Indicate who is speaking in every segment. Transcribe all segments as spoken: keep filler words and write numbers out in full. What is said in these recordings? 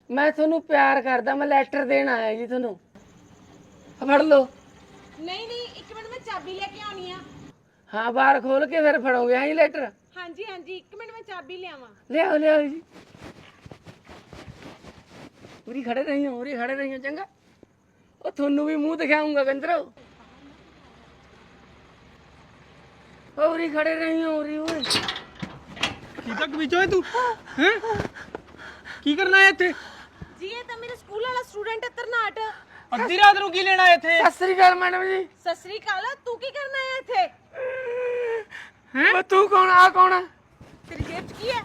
Speaker 1: ਮੈਂ ਤੁਹਾਨੂੰ ਪਿਆਰ ਕਰਦਾ, ਮੈਂ ਲੈਟਰ ਦੇਣ ਆਇਆ ਜੀ ਤੁਹਾਨੂੰ। ਫੜ ਲਓ।
Speaker 2: ਨਹੀਂ ਨਹੀਂ ਇੱਕ ਮਿੰਟ, ਮੈਂ ਚਾਬੀ ਲੈ ਕੇ ਆਉਣੀ ਆ।
Speaker 1: ਹਾਂ ਬਾਹਰ ਖੋਲ ਕੇ ਫਿਰ ਫੜੋਗੇ ਹਾਂ ਜੀ ਲੈਟਰ।
Speaker 2: ਹਾਂਜੀ ਹਾਂਜੀ ਇੱਕ ਮਿੰਟ, ਮੈਂ ਚਾਬੀ ਲਿਆਵਾਂ।
Speaker 1: ਲਿਆਓ ਲਿਆਓ ਜੀ। ਉਰੀ ਖੜੇ ਰਹੀਓ, ਉਰੀ ਖੜੇ ਰਹੀਓ ਚੰਗਾ। ਉਹ ਤੁਹਾਨੂੰ ਵੀ ਮੂੰਹ ਦਿਖਾਉਂਗਾ ਕੰਜਰੋ। ਉਰੀ ਖੜੇ ਰਹੀਓ, ਉਰੀ ਓਏ।
Speaker 3: ਕੀ ਤੱਕ ਵਿੱਚੋਂ ਤੂੰ ਹੈ ਕੀ ਕਰਨਾ ਹੈ ਇੱਥੇ?
Speaker 2: ਜੀ ਇਹ ਤਾਂ ਮੇਰੇ ਸਕੂਲ ਵਾਲਾ ਸਟੂਡੈਂਟ ਹੈ ਤਰਨਾਟ।
Speaker 3: ਅੱਧੀ ਰਾਤ ਨੂੰ ਕੀ ਲੈਣਾ ਇੱਥੇ?
Speaker 1: ਸਤਿ ਸ੍ਰੀ ਅਕਾਲ ਮੈਡਮ ਜੀ।
Speaker 2: ਸਤਿ ਸ੍ਰੀ ਅਕਾਲ। ਤੂੰ ਕੀ ਕਰਨਾ ਹੈ ਇੱਥੇ?
Speaker 1: ਹੈ ਤੂੰ ਕੌਣ? ਆ ਕੌਣ ਹੈ?
Speaker 2: ਤੇਰੀ ਜੇਬ 'ਚ ਕੀ ਹੈ?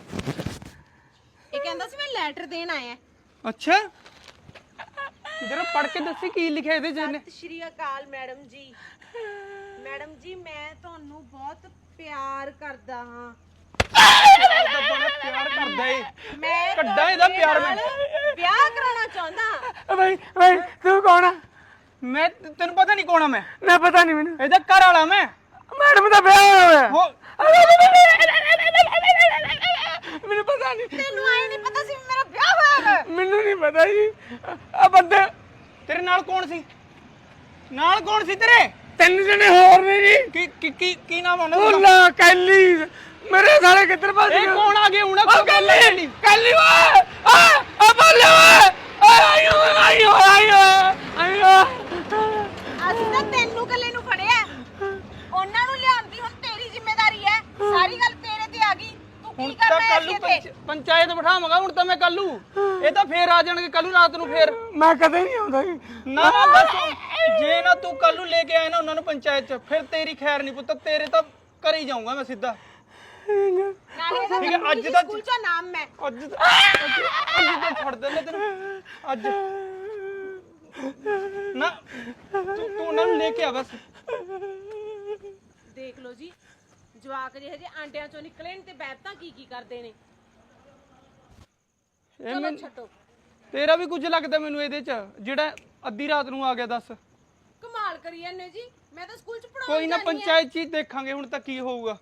Speaker 2: ਇਹ ਕਹਿੰਦਾ ਸੀ ਮੈਂ ਲੈਟਰ ਦੇਣ ਆਇਆ।
Speaker 3: ਅੱਛਾ ਜਰਾ ਪੜ੍ਹ ਕੇ ਦੱਸੀ ਕੀ ਲਿਖਿਆ ਇਹਦੇ 'ਚ ਇਹਨੇ।
Speaker 2: ਸਤਿ ਸ਼੍ਰੀ ਅਕਾਲ ਮੈਡਮ ਜੀ। ਮੈਡਮ ਜੀ ਮੈਂ ਤੁਹਾਨੂੰ ਬਹੁਤ ਪਿਆਰ ਕਰਦਾ ਹਾਂ।
Speaker 3: ਤਾਂ ਬੜਾ ਪਿਆਰ ਕਰਦਾ ਏ।
Speaker 2: ਮੈਂ
Speaker 3: ਕੱਢਾਂ ਇਹਦਾ ਪਿਆਰ ਮੈਂ।
Speaker 2: ਵਿਆਹ ਕਰਾਉਣਾ ਚਾਹੁੰਦਾ।
Speaker 1: ਬਈ ਬਈ ਤੂੰ ਕੌਣ ਆ?
Speaker 3: ਮੈਂ ਤੈਨੂੰ ਪਤਾ ਨਹੀਂ ਕੌਣ ਆ ਮੈਂ?
Speaker 1: ਨਾ ਪਤਾ ਨਹੀਂ ਮੈਨੂੰ।
Speaker 3: ਇਹਦਾ ਘਰ ਵਾਲਾ ਮੈਂ।
Speaker 1: ਮੈਡਮ ਦਾ ਵਿਆਹ ਹੋਇਆ
Speaker 3: ਹੋ
Speaker 1: ਮੈਨੂੰ ਪਤਾ ਨਹੀਂ।
Speaker 2: ਤੈਨੂੰ ਆਏ ਨਹੀਂ ਪਤਾ ਸੀ ਵੀ ਮੇਰਾ ਵਿਆਹ ਹੋਇਆ ਹੈ?
Speaker 1: ਮੈਨੂੰ ਨਹੀਂ ਪਤਾ ਜੀ। ਆ ਬੰਦੇ
Speaker 3: ਤੇਰੇ ਨਾਲ ਕੌਣ ਸੀ? ਨਾਲ ਕੌਣ ਸੀ ਤੇਰੇ?
Speaker 1: ਤਿੰਨ ਜਣੇ ਹੋਰ ਨੇ ਜੀ।
Speaker 3: ਕੀ ਕੀ ਕੀ ਕੀ ਨਾਮ ਉਹਨਾਂ ਦਾ?
Speaker 1: ਭੁੱਲਾ ਕੈਲੀ ਮੇਰੇ ਸਾਲੇ ਕਿੱਧਰ ਭੱਜ ਗਏ?
Speaker 3: ਇਹ ਕੌਣ ਆ ਗਏ ਹੁਣ?
Speaker 1: ਉਹ ਕੈਲੀ ਕੈਲੀ ਓਏ ਆ ਆ ਬੋਲੇ ਓਏ ਆਇਓ ਆਇਓ ਆਇਓ ਆਇਓ।
Speaker 2: ਅਸੀਂ ਤਾਂ ਤੈਨੂੰ ਇਕੱਲੇ ਨੂੰ ਫੜਿਆ, ਉਹਨਾਂ ਨੂੰ ਲਿਆਉਣ ਹੁਣ ਤੇਰੀ ਜ਼ਿੰਮੇਵਾਰੀ ਹੈ। ਸਾਰੀ ਗੱਲ ਤੇਰੇ ਤੇ ਆ ਗਈ। ਤੂੰ
Speaker 3: ਹੁਣ
Speaker 2: ਕੀ
Speaker 3: ਤਾਂ
Speaker 2: ਕਰਨਾ ਹੈ
Speaker 3: ਕੱਲੂ
Speaker 2: ਇੱਥੇ?
Speaker 3: ਪੰਚਾਇਤ ਬਿਠਾਵਾਂਗਾ ਹੁਣ ਤਾਂ ਮੈਂ ਕੱਲੂ। ਇਹ ਤਾਂ ਫੇਰ ਆ ਜਾਣਗੇ ਕੱਲੂ ਰਾਤ ਨੂੰ ਫੇਰ।
Speaker 1: ਮੈਂ ਕਦੇ ਨਹੀਂ ਆਉਂਦਾ ਜੀ।
Speaker 3: ਨਾ ਨਾ ਬਸ ਜੇ ਨਾ ਤੂੰ ਕੱਲੂ ਲੈ ਕੇ ਆਇਆ ਨਾ ਉਹਨਾਂ ਨੂੰ ਪੰਚਾਇਤ ਚ, ਫਿਰ ਤੇਰੀ ਖੈਰ ਨਹੀਂ ਪੁੱਤ। ਤੇਰੇ ਤਾਂ ਘਰੇ ਹੀ ਜਾਊਂਗਾ ਮੈਂ ਸਿੱਧਾ।
Speaker 2: ਨਾਲੇ ਇਹਦਾ
Speaker 3: ਠੀਕ ਹੈ, ਅੱਜ
Speaker 2: ਅੱਜ
Speaker 3: ਦਾ-
Speaker 2: ਸਕੂਲ ਚੋਂ ਨਾਮ ਮੈਂ।
Speaker 3: ਅੱਜ ਤਾਂ- ਅੱਜ ਅੱਜ ਤਾਂ ਛੱਡ ਦੇ ਮੈਂ ਤੈਨੂੰ ਅੱਜ ਨਾ ਤੂੰ ਤੂੰ ਉਹਨਾਂ ਨੂੰ ਲੈ ਕੇ ਆ ਬਸ।
Speaker 2: ਦੇਖ ਲਓ ਜੀ ਜਵਾਕ ਜਿਹੇ ਜਿਹੇ ਆਂਡਿਆਂ ਚੋਂ ਨਿਕਲੇ ਨੇ ਤੇ ਬੈਠਾਂ ਕੀ ਕੀ ਕਰਦੇ ਨੇ।
Speaker 3: ਇਹ
Speaker 2: ਚਲੋ
Speaker 3: ਮੈਨੂੰ-
Speaker 2: ਛੱਡੋ।
Speaker 3: ਤੇਰਾ ਵੀ ਕੁਝ ਲੱਗਦਾ ਮੈਨੂੰ ਇਹਦੇ ਚ, ਜਿਹੜਾ ਅੱਧੀ ਰਾਤ ਨੂੰ ਆ ਗਿਆ। ਦੱਸ
Speaker 2: ਕਮਾਲ ਕਰੀ ਜਾਂਦੇ ਜੀ। ਮੈਂ ਤਾਂ ਸਕੂਲ ਚ ਪੜਾਉਣ
Speaker 3: ਕੋਈ ਨਾ ਪੰਚਾਇਤ ਚ ਹੀ ਦੇਖਾਂਗੇ ਹੁਣ ਤਾਂ ਕੀ ਹੋਊਗਾ।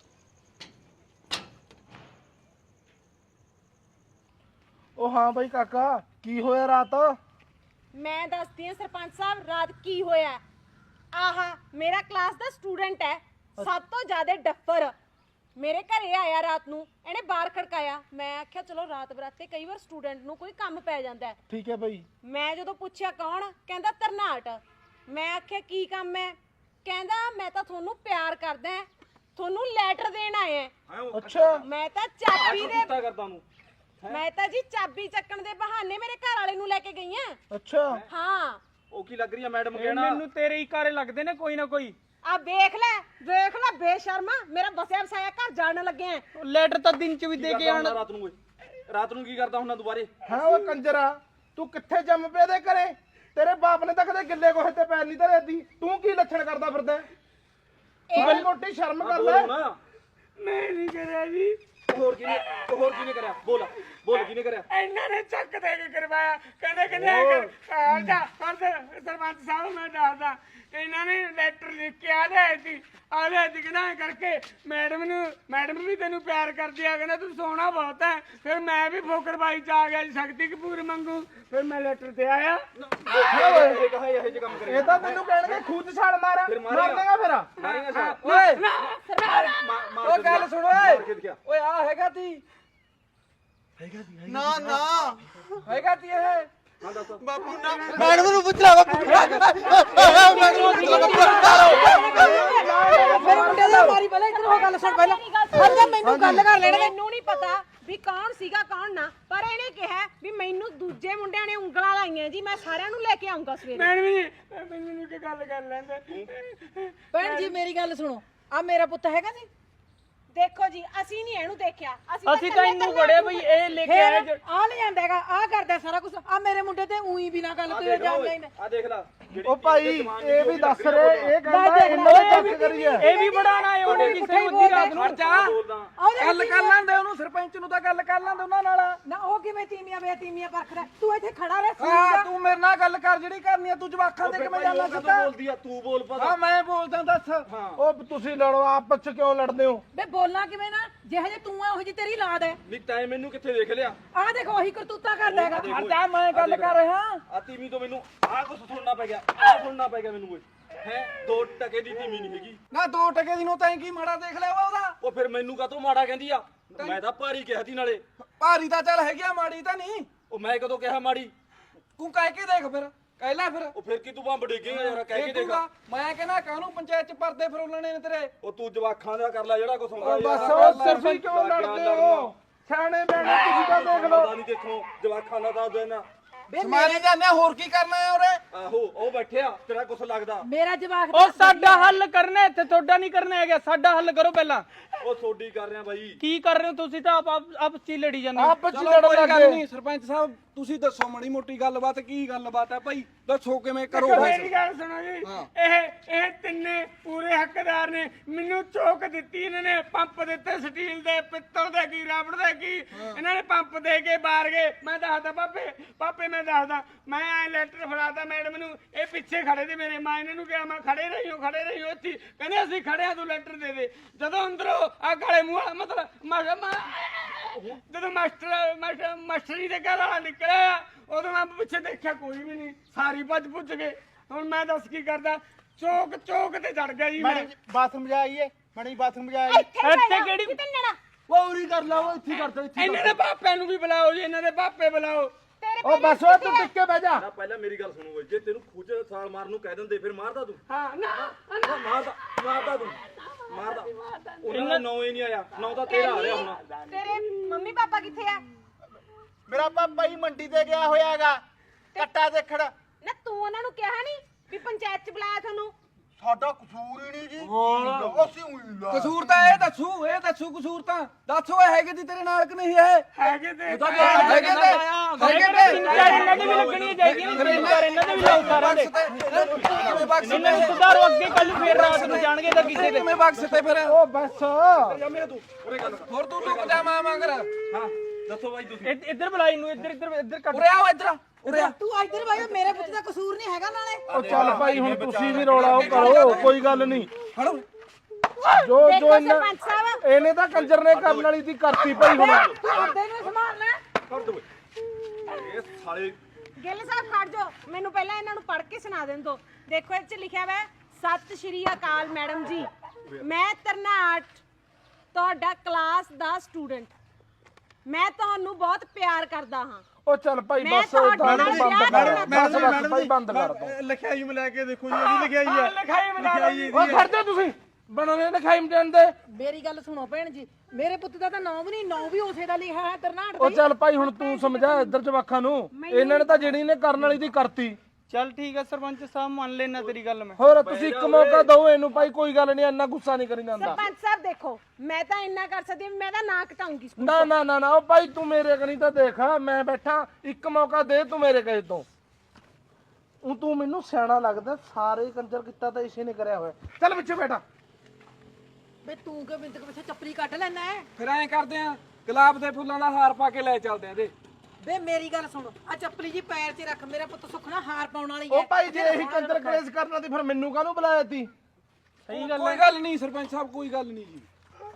Speaker 4: ਉਹ ਹਾਂ ਬਾਈ ਕਾਕਾ, ਕੀ ਹੋਇਆ ਰਾਤ?
Speaker 2: ਮੈਂ ਦੱਸਦੀ ਹਾਂ ਸਰਪੰਚ ਸਾਹਿਬ ਰਾਤ ਕੀ ਹੋਇਆ। ਆਹਾ ਮੇਰਾ ਕਲਾਸ ਦਾ ਸਟੂਡੈਂਟ ਹੈ, ਸਭ ਤੋਂ ਜ਼ਿਆਦਾ ਡੱਫਰ। ਮੇਰੇ ਘਰੇ ਆਇਆ ਰਾਤ ਨੂੰ, ਇਹਨੇ ਬਾਹਰ ਖੜਕਾਇਆ। ਮੈਂ ਆਖਿਆ ਚਲੋ ਰਾਤ ਬਰਾਤੇ ਕਈ ਵਾਰ ਸਟੂਡੈਂਟ ਨੂੰ ਕੋਈ ਕੰਮ ਪੈ ਜਾਂਦਾ ਹੈ।
Speaker 4: ਠੀਕ ਹੈ ਬਾਈ।
Speaker 2: ਮੈਂ ਜਦੋਂ ਪੁੱਛਿਆ ਕੌਣ, ਕਹਿੰਦਾ ਤਰਨਾਟ। ਮੈਂ ਆਖਿਆ ਕੀ ਕੰਮ ਹੈ? ਕਹਿੰਦਾ ਮੈਂ ਤਾਂ ਤੁਹਾਨੂੰ ਪਿਆਰ ਕਰਦਾ, ਤੁਹਾਨੂੰ ਲੈਟਰ ਦੇਣ ਆਇਆ।
Speaker 4: ਅੱਛਾ
Speaker 2: ਮੈਂ ਤਾਂ ਚਾਬੀ ਦੇ ਮੈਂ ਤਾਂ ਜੀ ਚਾਬੀ ਚੱਕਣ ਦੇ ਬਹਾਨੇ ਮੇਰੇ ਘਰ ਵਾਲੇ ਨੂੰ ਲੈ ਕੇ ਗਈ ਆ।
Speaker 4: ਅੱਛਾ
Speaker 2: ਹਾਂ
Speaker 4: ਉਹ ਕੀ ਲੱਗ ਰਹੀ ਹੈ ਮੈਡਮ
Speaker 3: ਇਹ ਮੈਨੂੰ ਤੇਰੇ ਹੀ ਕਾਰੇ ਲੱਗਦੇ ਨੇ ਕੋਈ ਨਾ ਕੋਈ।
Speaker 2: ਆ ਵੇਖ ਲੈ ਵੇਖ ਲੈ ਬੇਸ਼ਰਮਾ, ਮੇਰਾ ਬਸਿਆ ਵਸਾਇਆ ਘਰ ਜਾਣ ਲੱਗੇ ਆ।
Speaker 3: ਲੈਟਰ ਤਾਂ ਦਿਨ ਚ ਵੀ ਦੇ ਕੇ ਆਣ।
Speaker 5: ਰਾਤ ਨੂੰ ਰਾਤ ਨੂੰ ਕੀ ਕਰਦਾ ਹੁੰਦਾ ਦੁਬਾਰੇ?
Speaker 4: ਹਾਂ ਉਹ ਕੰਜਰਾ, ਤੂੰ ਕਿੱਥੇ ਜੰਮ ਪਿਆ ਦੇ ਘਰੇ? ਤੇਰੇ ਬਾਪ ਨੇ ਤਾਂ ਕਦੇ ਗਿੱਲੇ ਕੋਹੇ ਤੇ ਪੈਰ ਨਹੀਂ ਧਰੇ ਦੀ। ਤੂੰ ਕੀ ਲੱਛਣ ਕਰਦਾ ਫਿਰਦਾ? ਇਹ ਮੋਟੀ ਸ਼ਰਮ ਕਰ ਲੈ।
Speaker 1: ਮੈਂ ਨਹੀਂ ਕਰਿਆ ਜੀ।
Speaker 5: ਹੋਰ ਕਿਹਨੇ ਹੋਰ ਕਿਹਨੇ ਕਰਿਆ? ਬੋਲ ਬੋਲ ਕਿਹਨੇ ਕਰਿਆ?
Speaker 1: ਇਹਨਾਂ ਨੇ ਚੱਕ ਦੇ ਕੇ ਕਰਵਾਇਆ। ਕਹਿੰਦੇ ਕਹਿੰਦੇ ਆ ਜਾ ਸਰਪੰਚ ਸਾਹਿਬ ਮੈਂ ਦੱਸਦਾ। ਇਹਨਾਂ ਨੇ ਲੈਟਰ ਲਿਖ ਕੇ ਆ ਲਿਆ ਸੀ ਆ ਲਿਆ ਸੀ ਕਹਿੰਦਾ ਐਂ ਕਰਕੇ ਮੈਡਮ ਨੂੰ ਮੈਡਮ ਵੀ ਤੈਨੂੰ ਪਿਆਰ ਕਰਦੀ ਆ, ਕਹਿੰਦਾ ਤੂੰ ਸੋਹਣਾ ਬਹੁਤ ਹੈ। ਫਿਰ ਮੈਂ ਵੀ ਫੋਕਰਬਾਈ ਚ ਆ ਗਿਆ ਜੀ, ਸ਼ਕਤੀ ਕਪੂਰ ਮੰਗੂ। ਫਿਰ ਮੈਂ ਲੈਟਰ ਤੇ ਆਇਆ।
Speaker 5: ਇਹ ਕਹਾ ਇਹ ਜੇ ਕੰਮ ਕਰੇ
Speaker 4: ਇਹ ਤਾਂ ਤੈਨੂੰ ਕਹਿਣਗੇ ਖੂਦ ਛਾਲ ਮਾਰ
Speaker 5: ਫਿਰ
Speaker 4: ਮਾਰ
Speaker 5: ਮਾਰੇਗਾ।
Speaker 4: ਦੇਗਾ ਫਿਰ।
Speaker 5: ਮਾਰੇਗਾ ਸਾਹ
Speaker 4: ਓਏ
Speaker 5: ਮਾਰ
Speaker 4: ਉਹ ਗੱਲ ਸੁਣ ਓਏ। ਓਏ ਆ ਹੈਗਾ ਤੀ
Speaker 5: ਹੈਗਾ ਦੀ
Speaker 4: ਨਾ ਨਾ ਹੈਗਾ ਤੀ ਇਹ
Speaker 5: ਹਾਂ ਦੱਸ
Speaker 4: ਬਾਪੂ ਨਾ ਮੈਡਮ ਨੂੰ ਪੁੱਛ ਲੈ ਬਾਪੂ।
Speaker 2: ਮੇਰੇ ਮੁੰਡੇ ਦੀ ਮਾਰੀ ਪਹਿਲਾਂ ਇੱਧਰ ਹੋ ਗੱਲ ਸੁਣ ਪਹਿਲਾਂ। ਹਰ ਮੈਨੂੰ ਗੱਲ ਕਰ ਲੈਣ। ਮੈਨੂੰ ਨਹੀਂ ਪਤਾ ਵੀ ਕੌਣ ਸੀਗਾ ਕੌਣ ਨਾ, ਪਰ ਇਹਨੇ ਕਿਹਾ ਵੀ ਮੈਨੂੰ ਦੂਜੇ ਮੁੰਡਿਆਂ ਨੇ ਉਂਗਲਾਂ ਲਾਈਆਂ ਜੀ, ਮੈਂ ਸਾਰਿਆਂ ਨੂੰ ਲੈ ਕੇ ਆਉਂਗਾ ਸਵੇਰੇ।
Speaker 1: ਮੈਡਮ ਜੀ ਮੈਨੂੰ ਕੀ ਗੱਲ ਕਰ ਲੈਂਦੇ।
Speaker 6: ਭੈਣ ਜੀ ਮੇਰੀ ਗੱਲ ਸੁਣੋ, ਆ ਮੇਰਾ ਪੁੱਤ ਹੈਗਾ ਜੀ।
Speaker 2: ਦੇਖੋ ਜੀ ਅਸੀਂ ਨਹੀਂ ਇਹਨੂੰ ਦੇਖਿਆ।
Speaker 3: ਅਸੀਂ ਤਾਂ
Speaker 2: ਇਕੱਲੇ
Speaker 3: ਇਹਨੂੰ
Speaker 2: ਇਕੱਲੇ
Speaker 3: ਫੜਿਆ ਬਈ ਇਹ ਲੈ ਕੇ ਆਇਆ।
Speaker 6: ਫੇਰ ਆ ਲੈ ਜਾਂਦਾ ਹੈਗਾ, ਆ ਕਰਦਾ ਸਾਰਾ ਕੁਝ। ਆ ਮੇਰੇ ਮੁੰਡੇ ਤੇ ਉਹੀ ਬਿਨਾ ਗੱਲ ਤੋਂ ਇਲਜ਼ਾਮ ਲਾਈਨੇ।
Speaker 5: ਆ ਦੇਖ ਲੈ
Speaker 4: ਉਹ ਭਾਈ ਇਹ ਵੀ ਦੱਸ ਰਹੇ ਇਹ ਕਹਿੰਦਾ ਇਹਨਾਂ ਨੇ ਚੱਕ ਕਰੀ ਹੈ।
Speaker 3: ਇਹ ਵੀ ਬੜਾਣਾ ਆਏ ਉਹਨੇ ਕਿਸੇ ਨੂੰ ਅੱਧੀ ਰਾਤ ਨੂੰ।
Speaker 4: ਜਾ ਗੱਲ ਕਰ ਲੈਂਦੇ ਉਹਨੂੰ, ਸਰਪੰਚ ਨੂੰ ਤਾਂ ਗੱਲ ਕਰ ਲੈਂਦੇ ਉਹਨਾਂ ਨਾਲ।
Speaker 6: ਨਾ ਉਹ ਕਿਵੇਂ ਤੀਮੀਆਂ ਵੇ ਤੀਮੀਆਂ ਪਰਖਦਾ? ਤੂੰ ਇੱਥੇ ਖੜਾ ਰਹਿ।
Speaker 4: ਹਾਂ ਤੂੰ ਮੇਰੇ ਨਾਲ ਗੱਲ ਕਰ ਜਿਹੜੀ ਕਰਨੀ ਆ। ਤੂੰ ਜਵਾਖਾਂ ਦੇ ਕਿਵੇਂ ਜਾਣਾ ਸਿੱਧਾ?
Speaker 5: ਬੋਲਦੀ ਆ ਤੂੰ ਬੋਲ ਪਾ।
Speaker 4: ਹਾਂ ਮੈਂ ਬੋਲਦਾ ਦੱਸ। ਉਹ ਤੁਸੀਂ ਲੜੋ ਆਪਸ ਚ ਕਿਉਂ ਲੜਦੇ ਹੋ?
Speaker 6: ਬੇ ਬੋਲਣਾ ਕਿਵੇਂ ਨਾ? ਜਿਹੋ ਜਿਹੇ ਤੂੰ ਆ ਉਹ ਜਿਹੀ ਤੇਰੀ ਲਾਦ ਹੈ।
Speaker 5: ਨਹੀਂ ਤੈਂ ਮੈਨੂੰ ਕਿੱਥੇ ਦੇਖ ਲਿਆ?
Speaker 6: ਆਹ ਦੇਖੋ ਉਹੀ ਕਰਤੂਤਾ ਕਰਦਾ ਹੈਗਾ।
Speaker 3: ਹਰਦਾ ਮੈਂ ਗੱਲ ਕਰ ਰਿਹਾ।
Speaker 5: ਆ ਤੀਵੀਂ ਤੋਂ ਮੈਨੂੰ ਆਹ ਕੁਛ ਸੁਣਨਾ ਪੈ ਗਿਆ, ਆਹ ਸੁਣਨਾ ਪੈ ਗਿਆ ਮੈਨੂੰ ਓਏ। ਹੈ ਦੋ ਟਕੇ ਦੀ ਤੀਵੀਂ ਨਹੀਂ ਹੈਗੀ।
Speaker 3: ਨਾ ਦੋ ਟਕੇ ਦੀ ਨੂੰ ਤੈਂ ਕੀ ਮਾੜਾ ਦੇਖ ਲਿਆ ਵਾ ਉਹਦਾ?
Speaker 5: ਉਹ ਫਿਰ ਮੈਨੂੰ ਕਾਹਤੋਂ ਮਾੜਾ ਕਹਿੰਦੀ ਆ? ਮੈਂ ਤਾਂ ਭਾਰੀ ਕਿਹਾ ਸੀ ਨਾਲੇ।
Speaker 3: ਭਾਰੀ ਤਾਂ ਚੱਲ ਹੈਗੀ ਆ, ਮਾੜੀ ਤਾਂ ਨਹੀਂ।
Speaker 5: ਉਹ ਮੈਂ ਕਦੋਂ ਕਿਹਾ ਮਾੜੀ?
Speaker 3: ਤੂੰ ਕਹਿ ਕੇ ਦੇਖ ਫਿਰ, ਕਹਿ ਲੈ ਫਿਰ।
Speaker 5: ਉਹ ਫਿਰ ਕੀ ਤੂੰ ਬੰਬ ਡੇਗੇਗਾ ਯਾਰ, ਕਹਿ ਕੇ ਦੇਖ।
Speaker 3: ਦੇਖੂਗਾ ਮੈਂ ਕਹਿੰਦਾ ਕਾਹਨੂੰ ਪੰਚਾਇਤ ਚ ਪਰਦੇ ਫਰੋਲਣੇ ਨੇ ਤੇਰੇ।
Speaker 5: ਉਹ ਤੂੰ ਜਵਾਖਾਂ ਦਾ ਕਰ ਲੈ ਜਿਹੜਾ ਕੁਛ ਹੁੰਦਾ
Speaker 4: ਉਹ ਬਸ ਉਹ ਸਿਰਫ ਕਿਉਂ ਲੜਦੇ ਹੋ? ਸਿਆਣੇ ਬੈਠੇ ਤੁਸੀਂ ਤਾਂ ਦੇਖ ਲਓ।
Speaker 5: ਪਤਾ ਨਹੀਂ ਦੇਖੋ ਜਵਾਖਾਂ ਦਾ ਦੱਸ ਦੇਣਾ।
Speaker 3: ਸਮਾਰੀ ਜਾਂਦੇ ਹੋਰ ਕੀ ਕਰਨਾ ਹੈ ਉਰੇ?
Speaker 5: ਆਹੋ ਉਹ ਬੈਠਿਆ, ਤੇਰਾ ਕੁਛ ਲੱਗਦਾ?
Speaker 6: ਮੇਰਾ ਜਵਾਕ
Speaker 3: ਉਹ ਸਾਡਾ ਹੱਲ ਕਰਨਾ ਇੱਥੇ, ਤੁਹਾਡਾ ਨਹੀਂ ਕਰਨਾ ਹੈਗਾ। ਸਾਡਾ ਹੱਲ ਕਰੋ ਪਹਿਲਾਂ।
Speaker 5: ਉਹ ਸੋਡੀ ਕਰ ਰਿਹਾ ਬਾਈ।
Speaker 3: ਕੀ ਕਰ ਰਹੇ ਹੋ ਤੁਸੀਂ? ਤਾਂ ਆਪ ਆਪ ਚ ਹੀ ਲੜੀ ਜਾਂਦੇ ਹੋ।
Speaker 4: ਆਪਸ ਚ ਲੜਨ ਲੱਗੇ।
Speaker 3: ਨਹੀਂ ਸਰਪੰਚ ਸਾਹਿਬ, ਤੁਸੀਂ ਦੱਸੋ ਮਾੜੀ ਮੋਟੀ ਗੱਲਬਾਤ। ਕੀ ਗੱਲਬਾਤ ਹੈ ਭਾਈ, ਦੱਸੋ ਕਿਵੇਂ ਕਰੋ।
Speaker 1: ਮੇਰੀ ਗੱਲ ਸੁਣੋ ਜੀ, ਇਹ ਇਹ ਤਿੰਨੇ ਪੂਰੇ ਹੱਕਦਾਰ ਨੇ। ਮੈਨੂੰ ਚੋਕ ਦਿੱਤੀ ਇਹਨਾਂ ਨੇ, ਪੰਪ ਦਿੱਤੇ ਸਟੀਲ ਦੇ, ਪਿੱਤਲ ਦੇ, ਕੀ ਰਬੜ ਦੇ, ਕੀ ਇਹਨਾਂ ਨੇ ਪੰਪ ਦੇ ਕੇ ਬਾਹਰ ਗਏ। ਮੈਂ ਦੱਸਦਾ ਪਾਪੇ ਪਾਪੇ ਮੈਂ ਦੱਸਦਾ, ਮੈਂ ਐ ਲੈਟਰ ਫੜਾਤਾ ਮੈਡਮ ਨੂੰ, ਇਹ ਪਿੱਛੇ ਖੜੇ ਤੇ ਮੇਰੇ ਮਾਂ ਇਹਨਾਂ ਨੂੰ ਕਿਹਾ ਮੈਂ ਖੜੇ ਰਹੀਓ ਖੜੇ ਰਹੀਓ ਇੱਥੇ। ਕਹਿੰਦੇ ਅਸੀਂ ਖੜੇ ਆ, ਤੂੰ ਲੈਟਰ ਦੇ ਦੇ। ਜਦੋਂ ਅੰਦਰੋਂ ਆ ਗਾਲੇ ਮੂੰਹ ਵਾਲਾ ਮਤਲਬ ਜਦੋਂ ਮਾਸਟਰ ਮਾਸਟਰ ਮਾਸਟਰੀ ਦੇ ਘਰ ਵਾਲਾ ਨਿਕਲਿਆ, ਉਦੋਂ ਮੈਂ ਪਿੱਛੇ ਦੇਖਿਆ ਕੋਈ ਵੀ ਨਹੀਂ, ਸਾਰੀ ਭੱਜ ਭੁੱਜ ਗਏ। ਹੁਣ ਮੈਂ ਦੱਸ ਕੀ ਕਰਦਾ? ਚੌਕ ਚੌਕ ਤੇ ਚੜ ਗਿਆ ਜੀ ਮੈਂ।
Speaker 4: ਬਾਥਰੂਮ ਜਾਈਏ, ਮਣੀ ਬਾਥਰੂਮ ਜਾਈਏ।
Speaker 2: ਇੱਥੇ ਕਿਹੜੀ ਕਿਤੇ ਨਣਾ
Speaker 4: ਪੌੜੀ ਕਰ ਲਾਓ, ਇੱਥੇ ਕਰ ਦੋ, ਇੱਥੇ
Speaker 1: ਇਹਨਾਂ ਦੇ ਪਾਪਿਆਂ ਨੂੰ ਵੀ ਬੁਲਾਓ ਜੀ, ਇਹਨਾਂ ਦੇ ਪਾਪੇ ਬੁਲਾਓ।
Speaker 4: ਉਹ ਬਸ ਉਹ ਤੂੰ ਟਿੱਕੇ ਬਹਿ ਜਾ।
Speaker 5: ਨਾ ਪਹਿਲਾਂ ਮੇਰੀ ਗੱਲ ਸੁਣੋ ਓਏ, ਜੇ ਤੈਨੂੰ ਖੂਜ ਸਾਲ ਮਾਰਨ ਨੂੰ ਕਹਿ ਦਿੰਦੇ ਫਿਰ ਮਾਰਦਾ ਤੂੰ?
Speaker 1: ਹਾਂ ਨਾ
Speaker 5: ਨਾ ਮਾਰਦਾ ਮਾਰਦਾ ਤੂੰ ਮਾਰਦਾ। ਉਹਨਾਂ ਦਾ ਨਾਂ ਹੀ ਨਹੀਂ ਆਇਆ, ਨਾਂ ਤਾਂ ਤੇਰਾ ਆ ਰਿਹਾ ਹੁਣ।
Speaker 2: ਤੇਰੇ ਮੰਮੀ ਪਾਪਾ ਕਿੱਥੇ ਆ?
Speaker 4: ਮੇਰਾ ਪਾਪਾ ਹੀ ਮੰਡੀ ਤੇ ਗਿਆ ਹੋਇਆ ਹੈਗਾ ਕੱਟਾ ਦੇਖਣ।
Speaker 2: ਨਾ ਤੂੰ ਉਹਨਾਂ ਨੂੰ ਕਿਹਾ ਨਹੀਂ ਵੀ ਪੰਚਾਇਤ ਚ ਬੁਲਾਇਆ ਤੁਹਾਨੂੰ?
Speaker 4: ਸਾਡਾ ਕਸੂਰ ਹੀ ਨਹੀਂ ਜੀ। ਅਸੀਂ ਉਹੀ ਲਾ
Speaker 3: ਕਸੂਰ ਤਾਂ ਇਹ ਦੱਸੂ, ਇਹ ਦੱਸੂ ਕਸੂਰ ਤਾਂ ਦੱਸੋ। ਇਹ ਹੈਗੇ ਦੀ ਤੇਰੇ ਨਾਲ ਕਿ ਨਹੀਂ? ਇਹ
Speaker 1: ਹੈਗੇ ਤੇ
Speaker 3: ਹੈਗੇ ਤੇ ਹੈਗੇ ਤੇ ਤਿੰਨ ਚਾਰ ਇਹਨਾਂ ਦੀ ਵੀ ਲੱਗਣੀ ਚਾਹੀਦੀ ਨੇ, ਤਿੰਨ ਚਾਰ ਇਹਨਾਂ ਦੇ ਵੀ ਲਾਓ ਸਾਰਿਆਂ ਦੇ। ਕਿਵੇਂ ਬਖਸ਼ ਤੇ ਸੁਧਾਰੋ ਅੱਗੇ, ਕੱਲ ਨੂੰ ਫੇਰ ਰਾਤ ਨੂੰ ਜਾਣਗੇ ਤਾਂ ਕਿਸੇ ਦੇ। ਕਿਵੇਂ ਬਖਸ਼ ਤੇ ਫਿਰ?
Speaker 4: ਉਹ ਬਸ
Speaker 5: ਜਾ ਮੇਰੇ ਤੂੰ ਉਰੇ ਗੱਲ
Speaker 3: ਹੋਰ ਤੂੰ ਟੁੱਕ ਜਾ ਮਾਂ ਮੰਗਰ।
Speaker 5: ਹਾਂ ਦੱਸੋ ਬਾਈ ਤੁਸੀਂ।
Speaker 3: ਇੱਧਰ ਬੁਲਾਈ ਨੂੰ, ਇੱਧਰ ਇੱਧਰ ਇੱਧਰ ਕੱਟ। ਉਰੇ ਆਓ, ਇੱਧਰ ਉਰੇ ਆ।
Speaker 6: ਤੂੰ ਇੱਧਰ ਭਾਈ, ਮੇਰੇ ਪੁੱਤ ਦਾ ਕਸੂਰ ਨਹੀਂ ਹੈਗਾ ਨਾਲੇ।
Speaker 4: ਉਹ ਚੱਲ ਭਾਈ ਹੁਣ ਤੁਸੀਂ ਵੀ ਰੌਲਾ ਉਹ ਕਰੋ, ਕੋਈ ਗੱਲ ਨਹੀਂ।
Speaker 3: ਫੜੋ
Speaker 4: ਜੋ
Speaker 2: ਦੇਖੋ
Speaker 4: ਜੋ ਇਹਨਾਂ
Speaker 2: ਸਰਪੰਚ ਸਾਹਿਬ,
Speaker 4: ਇਹਨੇ ਤਾਂ ਕੰਜਰ ਨੇ ਕਰਨ ਵਾਲੀ ਦੀ ਕਰਤੀ ਭਾਈ ਹੁਣ।
Speaker 6: ਤੂੰ ਆਪਦੇ ਨੂੰ ਸੰਭਾਲਣਾ।
Speaker 5: ਕਰ ਦੋ ਇਹ ਸਾਲੇ।
Speaker 2: ਗਿੱਲ ਸਾਹਿਬ ਖੜ ਜਾਓ, ਮੈਨੂੰ ਪਹਿਲਾਂ ਇਹਨਾਂ ਨੂੰ ਪੜ੍ਹ ਕੇ ਸੁਣਾ ਦੇਣ ਦਿਓ। ਦੇਖੋ ਇਹ ਚ ਲਿਖਿਆ ਹੋਇਆ ਹੈ, ਸਤਿ ਸ਼੍ਰੀ ਅਕਾਲ ਮੈਡਮ ਜੀ, ਮੈਂ ਤਰਨਾਟ ਤੁਹਾਡਾ ਕਲਾਸ ਦਾ ਸਟੂਡੈਂਟ, ਮੈਂ ਤੁਹਾਨੂੰ ਬਹੁਤ ਪਿਆਰ ਕਰਦਾ ਹਾਂ।
Speaker 4: ਉਹ ਚੱਲ ਭਾਈ
Speaker 2: ਮੈਂ
Speaker 4: ਬਸ
Speaker 2: ਤੁਹਾਡੇ
Speaker 4: ਬੰਦ
Speaker 2: ਨਾਲ
Speaker 4: ਬੰਦ
Speaker 2: ਵਿਆਹ
Speaker 4: ਕਰ
Speaker 2: ਕਰਨਾ
Speaker 4: ਬਸ ਬਸ ਭਾਈ ਬੰਦ ਕਰ ਦੋ।
Speaker 3: ਲਿਖਾਈ ਮਿਲਾ ਕੇ ਦੇਖੋ ਜੀ, ਇਹਦੀ ਲਿਖਾਈ ਹੈ।
Speaker 1: ਲਿਖਾਈ ਬਣਾ ਲਓ।
Speaker 4: ਉਹ ਖੜ ਜਾ ਤੁਸੀਂ, ਬਣਾਉਣੇ ਲਿਖਾਈ ਮਟਣ ਦੇ।
Speaker 6: ਮੇਰੀ ਗੱਲ ਸੁਣੋ ਭੈਣ ਜੀ, ਮੇਰੇ ਪੁੱਤ ਦਾ ਤਾਂ ਨਾਂ ਵੀ ਨਹੀਂ, ਨਾਂ ਵੀ ਉਸੇ ਦਾ ਲਿਖਿਆ ਹੈ ਤਰਨਾਟ
Speaker 4: ਉਹ
Speaker 6: ਦਾ।
Speaker 4: ਚੱਲ ਭਾਈ ਹੁਣ ਤੂੰ ਸਮਝਾ ਇੱਧਰ ਜਵਾਖਾਂ ਨੂੰ, ਇਹਨਾਂ ਨੇ ਤਾਂ ਜਿਹੜੀ ਨੇ ਕਰਨ ਵਾਲੀ ਦੀ ਕਰਤੀ।
Speaker 3: ਚੱਲ ਠੀਕ ਹੈ ਸਰਪੰਚ ਸਾਹਿਬ, ਮੰਨ ਲੈਣਾ ਤੇਰੀ ਗੱਲ ਮੈਂ।
Speaker 4: ਹੋਰ ਤੁਸੀਂ ਇੱਕ ਮੌਕਾ ਦਿਓ ਇਹਨੂੰ ਭਾਈ, ਕੋਈ ਗੱਲ ਨਹੀਂ, ਇੰਨਾ ਗੁੱਸਾ ਨਹੀਂ ਕਰੀ ਜਾਂਦਾ।
Speaker 2: ਸਰਪੰਚ ਸਾਹਿਬ ਦੇਖੋ, ਮੈਂ ਤਾਂ ਇੰਨਾ ਕਰ ਸਕਦੀ ਹਾਂ, ਮੈਂ ਤਾਂ ਨਾਂ ਕਟਾਉਂਗੀ।
Speaker 4: ਨਾ ਨਾ ਨਾ ਨਾ ਉਹ ਭਾਈ ਤੂੰ ਮੇਰੇ ਕਨੀ ਤਾਂ ਦੇਖ, ਮੈਂ ਬੈਠਾ, ਇੱਕ ਮੌਕਾ ਦੇ ਤੂੰ ਮੇਰੇ ਕਹੇ ਤੋਂ। ਉਹ ਤੂੰ ਮੈਨੂੰ ਸਿਆਣਾ ਲੱਗਦਾ, ਸਾਰੇ ਕੰਜਰ ਕੀਤਾ ਤਾਂ ਇਸੇ ਨੇ ਕਰਿਆ ਹੋਇਆ। ਚੱਲ ਪਿੱਛੇ ਬੈਠਾ।
Speaker 6: ਬੇ ਤੂੰ ਕਿ ਬਿੰਦਕ ਪਿੱਛੇ ਚੱਪਲੀ ਕੱਢ ਲੈਣਾ ਹੈ?
Speaker 3: ਫਿਰ ਐਂ ਕਰਦੇ ਆ, ਗੁਲਾਬ ਦੇ ਫੁੱਲਾਂ ਦਾ ਹਾਰ ਪਾ ਕੇ ਲੈ ਚੱਲਦੇ ਆ ਇਹਦੇ।
Speaker 6: ਬੇ ਮੇਰੀ ਗੱਲ ਸੁਣ, ਆ ਚੱਪਲੀ ਜੀ ਪੈਰ 'ਚ ਰੱਖ, ਮੇਰਾ ਪੁੱਤ ਸੁਖਣਾ ਹਾਰ ਪਾਉਣ ਵਾਲੀ ਹੈ।
Speaker 4: ਉਹ ਭਾਈ ਜੇ ਇਹੀ ਕੰਜਰ ਕਲੇਸ਼ ਕਰਨਾ ਤੇ ਫਿਰ ਮੈਨੂੰ ਕਾਹਨੂੰ ਬੁਲਾਇਆ ਤੀ?
Speaker 3: ਸਹੀ ਗੱਲ, ਕੋਈ ਗੱਲ ਨਹੀਂ ਸਰਪੰਚ ਸਾਹਿਬ, ਕੋਈ ਗੱਲ ਨਹੀਂ ਜੀ।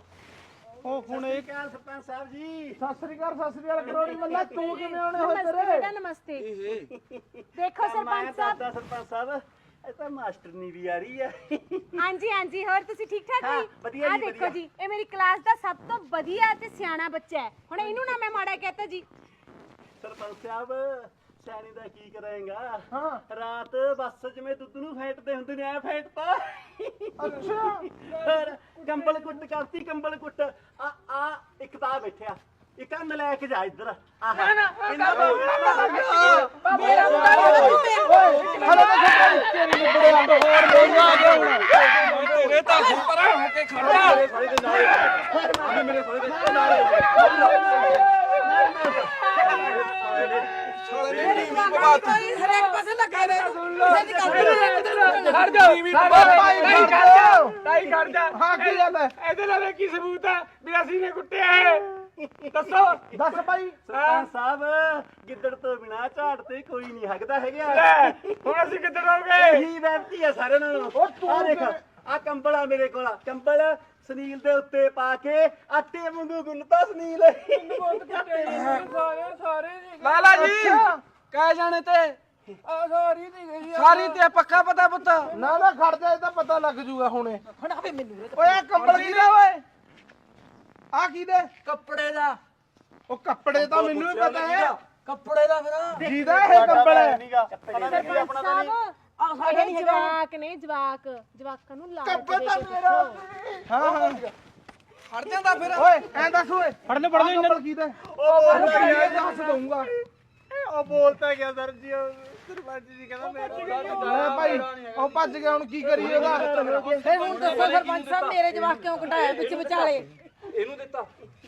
Speaker 4: ਉਹ ਹੁਣ ਇਹ ਸਰਪੰਚ ਸਾਹਿਬ ਜੀ, ਸਤਿ ਸ੍ਰੀ ਅਕਾਲ ਸਤਿ ਸ੍ਰੀ ਅਕਾਲ ਕਰੋੜੀ ਮੱਲਾ, ਤੂੰ ਕਿਵੇਂ ਆਉਣੇ ਹੋਏ
Speaker 2: ਨਮਸਤੇ
Speaker 4: ਤੇਰੇ?
Speaker 2: ਬੇਟਾ, ਨਮਸਤੇ। ਦੇਖੋ ਸਰਪੰਚ ਸਾਹਿਬ,
Speaker 7: ਸਰਪੰਚ ਸਾਹਿਬ ਇਹ ਤਾਂ ਮਾਸਟਰਨੀ ਵੀ ਆ ਰਹੀ ਹੈ।
Speaker 2: ਹਾਂਜੀ ਹਾਂਜੀ, ਹੋਰ ਤੁਸੀਂ ਠੀਕ ਠਾਕ
Speaker 7: ਹਾਂ,
Speaker 2: ਜੀ?
Speaker 7: ਵਧੀਆ
Speaker 2: ਆਹ
Speaker 7: ਜੀ,
Speaker 2: ਦੇਖੋ
Speaker 7: ਵਧੀਆ।
Speaker 2: ਜੀ, ਇਹ ਮੇਰੀ ਕਲਾਸ ਦਾ ਸਭ ਤੋਂ ਵਧੀਆ ਤੇ ਸਿਆਣਾ ਬੱਚਾ ਹੈ। ਹੁਣ ਇਹਨੂੰ ਨਾ ਮੈਂ ਮਾੜਾ ਕਹਤਾ ਜੀ।
Speaker 7: ਸਰਪੰਚ ਸਾਹਿਬ ਸਿਆਣੀ ਦਾ ਕੀ ਕਰਾਂਗਾ?
Speaker 4: ਹਾਂ
Speaker 7: ਰਾਤ ਬੱਸ ਜਿਵੇਂ ਦੁੱਧ ਨੂੰ ਫੇਟਦੇ ਹੁੰਦੇ ਨੇ, ਐ ਫੇਟਤਾ।
Speaker 4: ਅੱਛਾ
Speaker 7: ਹੋਰ ਕੰਬਲ ਕੁੱਟ ਕਰਤੀ, ਕੰਬਲ ਕੁੱਟ। ਆ ਆ ਇੱਕ ਤਾਂ ਬੈਠਿਆ, ਇੱਕ ਆ ਨਲਾਇਕ ਜਾ ਇੱਧਰ। ਆਹ
Speaker 4: ਹਲੋ ਤਾਂ ਤੇਰੀ ਨਿਬੜੇ ਅੰਬ ਹੋਰ ਨਹੀਂ ਆ ਗਿਆ ਹੁਣ।
Speaker 3: ਤੇਰੇ ਤਾਂ ਪਰਾਂ ਹੋ ਕੇ ਖੜਾ।
Speaker 5: ਮੇਰੇ ਸਾਲੇ ਦੇ ਨਾਲ ਮੇਰੇ ਸਾਲੇ ਦੇ ਨਾਲ
Speaker 6: ਹਰੇਕ ਪਾਸੇ ਲੱਗਾ ਰਹੇ ਕਿਸੇ ਦੀ ਗੱਲ ਨਹੀਂ।
Speaker 1: ਖੜ ਜਾ
Speaker 4: ਭਾਈ
Speaker 1: ਨਹੀਂ
Speaker 4: ਖੜ
Speaker 1: ਖੜ
Speaker 4: ਜਾ।
Speaker 1: ਜਾ ਤਾਈ ਖੜ ਜਾ।
Speaker 4: ਹਾਂ ਕੀ ਗੱਲ ਹੈ?
Speaker 1: ਇਹਦੇ ਨਾਲ ਕੀ ਸਬੂਤ ਹੈ ਵੀ ਅਸੀਂ ਨੇ ਕੁੱਟਿਆ ਹੈ? ਦੱਸੋ।
Speaker 4: ਦੱਸ ਭਾਈ।
Speaker 7: ਸਰਪੰਚ ਸਾਹਿਬ ਗਿੱਦੜ ਤੋਂ ਬਿਨਾ ਝਾੜ ਤੇ ਕੋਈ ਨਹੀਂ ਹੱਕਦਾ ਹੈਗਾ।
Speaker 1: ਲੈ, ਹੁਣ ਅਸੀਂ ਕਿੱਧਰ ਹੋ ਗਏ?
Speaker 7: ਇਹੀ ਵੈਬਤੀ ਆ ਸਾਰਿਆਂ ਨਾਲੋਂ।
Speaker 4: ਉਹ ਤੂੰ
Speaker 7: ਆ ਦੇਖ, ਆ ਕੰਬਲ ਆ ਮੇਰੇ ਕੋਲ ਕੰਬਲ ਸੁਨੀਲ ਦੇ ਉੱਤੇ ਪਾ ਕੇ ਆਟੇ ਵਾਂਗੂ ਗੁੰਨਤਾ ਸੁਨੀਲ
Speaker 4: ਲਾਲਾ ਜੀ ਕਹਿ ਜਾਣੇ ਤੇ
Speaker 3: ਆ ਸਾਰੀ ਦੀ ਗਈ
Speaker 4: ਸਾਰੀ ਤੇ ਪੱਕਾ ਪਤਾ ਪੁੱਤ ਨਾ ਨਾ ਖੜ ਜਾ ਇਹ ਤਾਂ ਪਤਾ ਲੱਗ ਜੂਗਾ ਹੁਣੇ
Speaker 6: ਹੁਣ ਆਵੇ ਮੈਨੂੰ
Speaker 4: ਓਏ ਆਹ ਕੰਬਲ ਕਿਹਦਾ ਓਏ ਆ ਕਿਹਦੇ
Speaker 3: ਕੱਪੜੇ ਦਾ
Speaker 4: ਉਹ ਕੱਪੜੇ ਤਾਂ ਮੈਨੂੰ ਵੀ ਪਤਾ ਹੈ
Speaker 3: ਕੱਪੜੇ ਦਾ ਫਿਰ
Speaker 4: ਜਿਹਦਾ ਇਹ ਕੰਬਲ ਹੈ
Speaker 2: ਸਰਪੰਚ ਸਾਹਿਬ
Speaker 6: ਆ ਸਾਡੇ ਨਹੀਂ ਹੈਗਾ
Speaker 2: ਜਵਾਕ ਨੇ ਜਵਾਕ ਜਵਾਕਾਂ ਨੂੰ ਲਾਲਚ
Speaker 4: ਕੱਪੜਾ
Speaker 2: ਦੇ
Speaker 4: ਤਾਂ
Speaker 2: ਕੇ
Speaker 4: ਮੇਰਾ
Speaker 2: ਪੁੱਛੋ।
Speaker 4: ਹਾਂ ਹਾਂ ਖੜ ਜਾਂਦਾ ਫਿਰ ਓਏ ਐਂ ਦੱਸ ਓਏ
Speaker 3: ਫੜਨੇ ਫੜਨੇ
Speaker 4: ਆਹ ਕੰਬਲ ਕਿਹਦਾ ਉਹ ਦੱਸ ਦਊਂਗਾ
Speaker 5: ਉਹ ਬੋਲਤਾ ਗਿਆ ਸਰ ਜੀ ਸਰਪੰਚ ਜੀ ਕਹਿੰਦਾ ਮੇਰਾ
Speaker 4: ਲੈ ਭਾਈ ਉਹ ਭੱਜ ਗਿਆ ਹੁਣ ਕੀ ਕਰੀਏ ਉਹਦਾ
Speaker 6: ਫਿਰ ਹੁਣ ਦੱਸੋ ਸਰਪੰਚ ਸਾਹਿਬ ਮੇਰੇ ਜਵਾਕ ਕਿਉਂ ਕਢਾਇਆ ਵਿੱਚ ਵਿਚਾਲੇ
Speaker 5: ਇਹਨੂੰ ਦਿੱਤਾ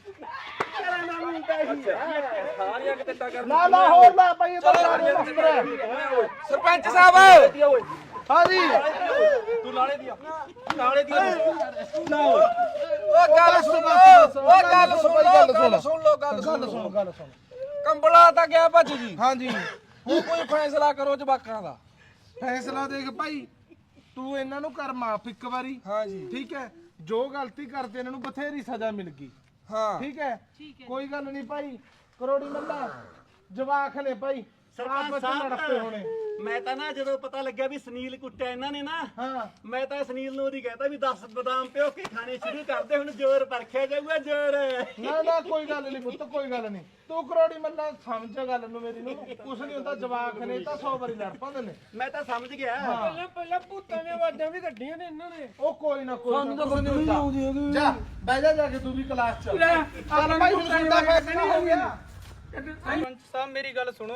Speaker 5: ਸਾਰੀਆਂ ਕਿਤੇ ਟੱਕਰ
Speaker 4: ਲਾ ਲਾ ਹੋਰ ਲਾ ਭਾਈ ਇਹ ਤਾਂ ਸਾਰੀਆਂ ਮਸਤਰ ਹੈ ਸਰਪੰਚ ਸਾਹਿਬ ਹਾਂ ਜੀ
Speaker 5: ਤੂੰ ਨਾਲੇ ਦੀ ਆ ਨਾਲੇ ਦੀ
Speaker 4: ਉਹ ਗੱਲ ਸੁਣ ਉਹ ਗੱਲ ਸੁਣ ਗੱਲ ਸੁਣ ਲੋ ਗੱਲ ਸੁਣ ਗੱਲ ਸੁਣ ਕੰਬਲਾ ਤਾਂ ਗਿਆ ਭੱਜ ਜੀ ਹਾਂ ਜੀ ਹੁਣ ਕੋਈ ਫੈਸਲਾ ਕਰੋ ਜਵਾਕਾਂ ਦਾ ਫੈਸਲਾ ਦੇਖ ਭਾਈ ਤੂੰ ਇਹਨਾਂ ਨੂੰ ਕਰ ਮਾਫ ਇੱਕ ਵਾਰੀ ਹਾਂ ਜੀ ਠੀਕ ਹੈ ਜੋ ਗਲਤੀ ਕਰਦੇ ਇਹਨਾਂ ਨੂੰ ਬਥੇਰੀ ਸਜ਼ਾ ਮਿਲ ਗਈ ਹਾਂ ਠੀਕ ਹੈ ਕੋਈ ਗੱਲ ਨਹੀਂ ਭਾਈ ਕਰੋੜੀ ਮੱਲਾ ਜਵਾਕ ਨੇ ਭਾਈ
Speaker 7: ਸਰਪੰਚ
Speaker 4: ਲੜਪੇ ਹੋਣੇ
Speaker 7: ਸਾਹਿਬ ਮੈਂ ਤਾਂ ਨਾ ਜਦੋਂ ਪਤਾ ਲੱਗਿਆ ਵੀ ਸੁਨੀਲ ਕੁੱਟਿਆ ਇਹਨਾਂ ਨੇ ਨਾ
Speaker 4: ਹਾਂ
Speaker 7: ਮੈਂ ਤਾਂ ਸੁਨੀਲ ਨੂੰ ਉਹਦੀ ਕਹਿੰਦਾ ਵੀ ਦਸ ਬਦਾਮ ਪਿਓ ਕੇ ਖਾਣੇ ਸ਼ੁਰੂ ਕਰਦੇ ਹੁਣ ਜ਼ੋਰ ਪਰਖਿਆ ਜਾਊਗਾ ਜ਼ੋਰ
Speaker 4: ਨਾ ਨਾ ਕੋਈ ਗੱਲ ਨਹੀਂ ਪੁੱਤ ਕੋਈ ਗੱਲ ਨਹੀਂ ਤੂੰ ਕਰੋੜੀ ਮੱਲਾ ਸਮਝ ਗੱਲ ਨੂੰ ਮੇਰੀ ਨੂੰ ਕੁਛ ਨਹੀਂ ਹੁੰਦਾ ਜਵਾਕ ਨੇ ਤਾਂ ਸੌ ਵਾਰੀ ਲੜ ਪਾਉਂਦੇ ਨੇ
Speaker 7: ਮੈਂ ਤਾਂ ਸਮਝ ਗਿਆ
Speaker 3: ਪਹਿਲਾਂ ਪਹਿਲਾਂ ਭੂਤਾਂ ਦੀਆਂ ਆਵਾਜ਼ਾਂ ਵੀ ਕੱਢੀਆਂ ਨੇ ਇਹਨਾਂ ਨੇ
Speaker 4: ਉਹ ਕੋਈ ਨਾ ਕੋਈ ਸਾਨੂੰ ਤਾਂ ਕੁਝ ਨਹੀਂ ਹੁੰਦਾ ਜਾ ਬਹਿ ਜਾ ਜਾ ਕੇ ਤੂੰ ਵੀ ਕਲਾਸ ਚ ਚੱਲ ਭਾਈ ਹੁਣ ਸੁਣਦਾ ਫੈਸਲਾ ਹੋ ਗਿਆ
Speaker 3: ਸਰਪੰਚ ਸਾਹਿਬ ਮੇਰੀ ਗੱਲ ਸੁਣੋ